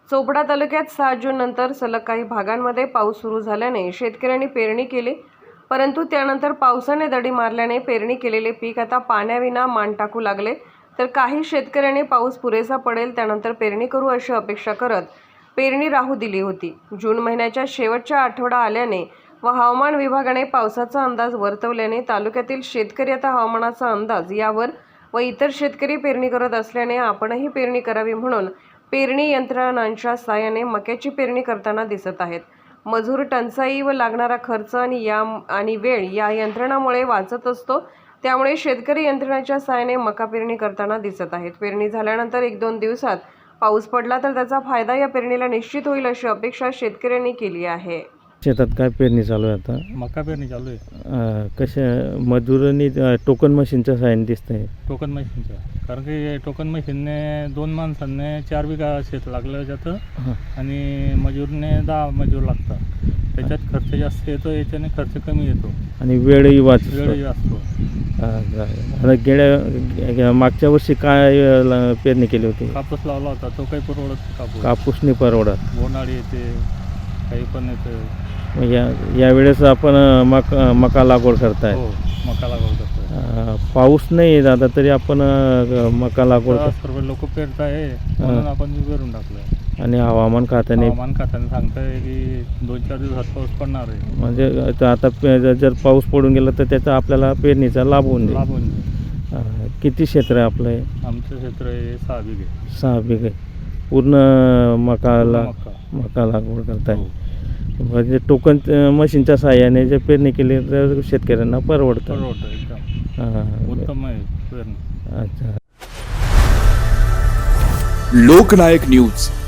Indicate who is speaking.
Speaker 1: चोपडा तालुक्यात 7 जून नंतर सलग काही भागांमध्ये पाऊस सुरू झाल्याने शेतकऱ्यांनी पेरणी केली, परंतु त्यानंतर पावसाने दडी मारल्याने पेरणी केलेले पीक आता पाण्याविना मान टाकू लागले। तर काही शेतकऱ्यांनी पाऊस पुरेसा पडेल त्यानंतर पेरणी करू अशी अपेक्षा करत पेरणी राहू दिली होती। जून महिन्याच्या शेवटचा आठवडा आल्याने व हवामान विभागाने पावसाचा अंदाज वर्तवल्याने तालुक्यातील शेतकरी आता हवामानाचा अंदाज यावर व इतर शेतकरी पेरणी करत असल्याने आपणही पेरणी करावी म्हणून पेरणी यंत्रणांच्या साहाय्याने मक्याची पेरणी करताना दिसत आहेत। मजूर टंचाई व लागणारा खर्च आणि वेळ या यंत्रणामुळे वाचत असतो, त्यामुळे शेतकरी यंत्रणाच्या साहाय्याने मका पेरणी करताना दिसत आहेत। पेरणी झाल्यानंतर 1-2 दिवसात पाऊस पडला तर त्याचा फायदा या पेरणीला निश्चित होईल अशी अपेक्षा शेतकऱ्यांनी केली आहे।
Speaker 2: शेतात काय पेरणी चालू आहे आता?
Speaker 3: मका पेरणी चालू आहे।
Speaker 2: कशा मजुरांनी टोकन मशीनच्या साहाय्याने दिसतंय?
Speaker 3: टोकन मशीनच्या, कारण की टोकन मशीनने 2 माणसांनी 4 बिघा शेत लागलं जातं आणि मजूरने 10 मजूर लागतात। त्याच्यात खर्च जास्त येतो, याच्याने खर्च कमी येतो
Speaker 2: आणि वेळही वाचतो।
Speaker 3: गेल्या
Speaker 2: मागच्या वर्षी काय पेरणी केली होती?
Speaker 3: कापूस लावला होता, तो काही परवडत
Speaker 2: कापूस नाही परवडत,
Speaker 3: बोंडाळी येते, काही पण येते।
Speaker 2: यावेळेस आपण मका लागवड करताय?
Speaker 3: हो, मका लागवड करतोय।
Speaker 2: पाऊस नाही दादा तरी आपण मका लागवड
Speaker 3: सर्व लोक पेरताय म्हणून आपण बी पेरून टाकलं।
Speaker 2: आणि हवामान खात्याने
Speaker 3: सांगताय की 2-4 दिवसात पाऊस पडणार आहे।
Speaker 2: म्हणजे आता जर पाऊस पडून गेला तर त्याचा आपल्याला पेरणीचा लाभ होऊन जाईल। किती क्षेत्र आहे आपलं?
Speaker 3: आमचं क्षेत्र आहे 6 बिघे।
Speaker 2: 6 बिघे पूर्ण मका लागवड करताय। म्हणजे टोकन मशीनच्या साहाय्याने जे पेरणी केली तर शेतकऱ्यांना परवडतं
Speaker 3: एकदम उत्तम आहे पेरणी।
Speaker 2: अच्छा।
Speaker 4: लोकनायक न्यूज